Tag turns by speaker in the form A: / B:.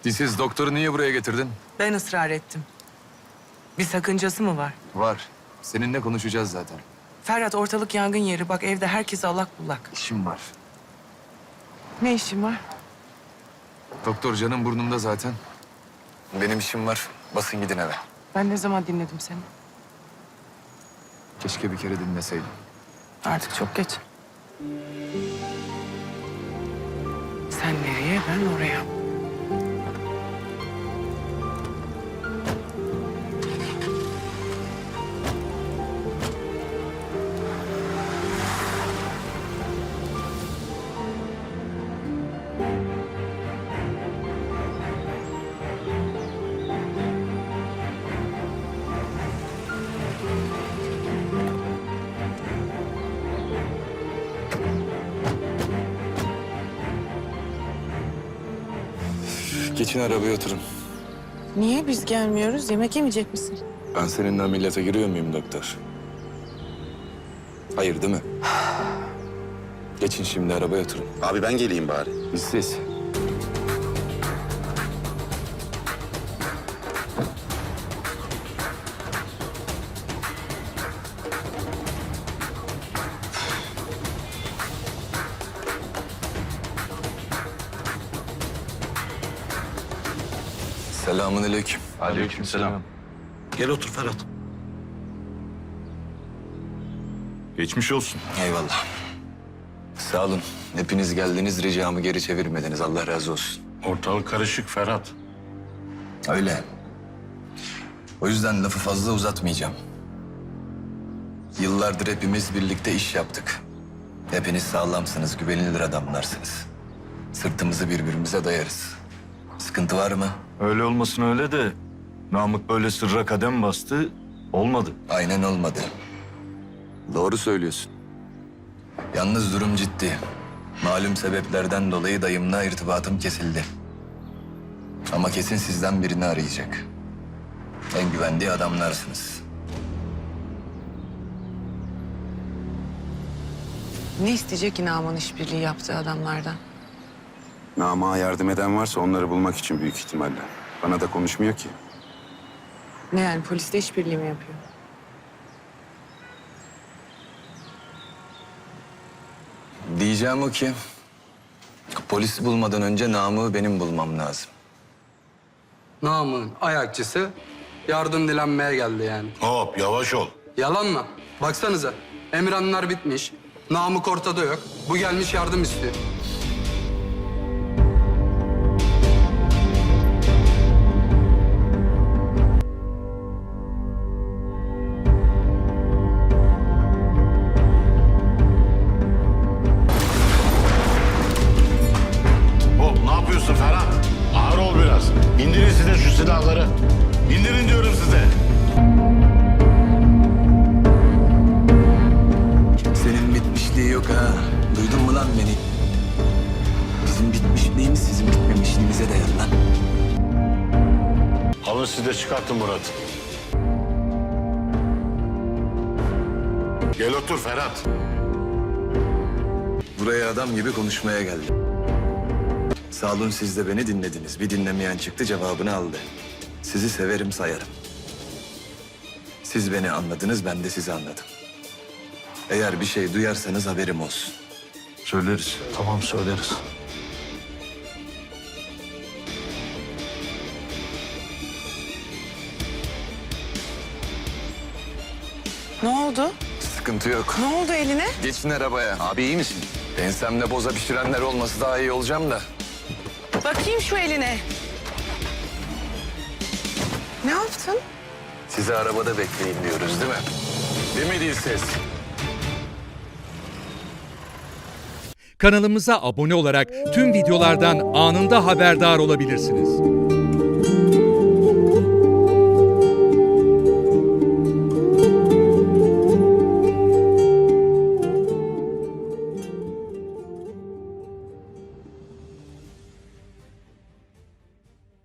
A: Dilsiz, doktoru niye buraya getirdin?
B: Ben ısrar ettim. Bir sakıncası mı var?
A: Var. Seninle konuşacağız zaten.
B: Ferhat, ortalık yangın yeri. Bak evde herkes allak bullak.
A: İşim var.
B: Ne işin var?
A: Doktor canım burnumda zaten. Benim işim var. Basın gidin eve.
B: Ben ne zaman dinledim seni?
A: Keşke bir kere dinleseydim.
B: Artık çok geç. Sen nereye, ben oraya.
A: Geçin arabaya oturun.
B: Niye biz gelmiyoruz? Yemek yemeyecek misin?
A: Ben seninle ameliyata giriyor muyum doktor? Hayır değil mi? Geçin şimdi arabaya oturun.
C: Abi ben geleyim bari.
A: Dilsiz. Selamünaleyküm.
C: Aleykümselam. Gel otur Ferhat. Geçmiş olsun.
A: Eyvallah. Sağ olun. Hepiniz geldiniz, ricamı geri çevirmediniz. Allah razı olsun.
C: Ortalık karışık Ferhat.
A: Öyle. O yüzden lafı fazla uzatmayacağım. Yıllardır hepimiz birlikte iş yaptık. Hepiniz sağlamsınız, güvenilir adamlarsınız. Sırtımızı birbirimize dayarız. Sıkıntı var mı?
D: Öyle olmasın öyle de Namık böyle sırra kadem bastı, olmadı.
A: Aynen olmadı. Doğru söylüyorsun. Yalnız durum ciddi. Malum sebeplerden dolayı dayımla irtibatım kesildi. Ama kesin sizden birini arayacak. En güvendiği adamlarsınız.
B: Ne isteyecek ki Naman işbirliği yaptığı adamlardan?
C: Namık'a yardım eden varsa onları bulmak için büyük ihtimalle. Bana da konuşmuyor ki.
B: Ne yani, polisle işbirliği mi yapıyor?
A: Diyeceğim o ki... polisi bulmadan önce Namık'ı benim bulmam lazım.
E: Namık'ın ayakçısı yardım dilenmeye geldi yani.
F: Hop yavaş ol.
E: Yalan mı? Baksanıza, Emirhanlar bitmiş. Namık ortada yok. Bu gelmiş yardım istiyor.
F: Hop ne yapıyorsun Ferhat? Ağır ol biraz. İndirin size şu silahları. İndirin diyorum size.
A: Senin bitmişliği yok ha. Duydun mu lan beni? Bizim bitmişliğimiz sizin bitmemişliğinize dayalı lan.
F: Alın siz de çıkartın Murat'ı. Gel otur Ferhat.
A: Buraya adam gibi konuşmaya geldim. Sağ olun, siz de beni dinlediniz. Bir dinlemeyen çıktı, cevabını aldı. Sizi severim, sayarım. Siz beni anladınız, ben de sizi anladım. Eğer bir şey duyarsanız haberim olsun.
D: Söyleriz.
C: Tamam söyleriz.
B: Ne oldu?
A: Sıkıntı yok.
B: Ne oldu eline?
A: Geçin arabaya. Abi iyi misin? Ensemde boza pişirenler olması daha iyi olacağım da.
B: Bakayım şu eline. Ne yaptın?
A: Sizi arabada bekleyin diyoruz değil mi? Değil mi Dilsiz?
G: Kanalımıza abone olarak tüm videolardan anında haberdar olabilirsiniz.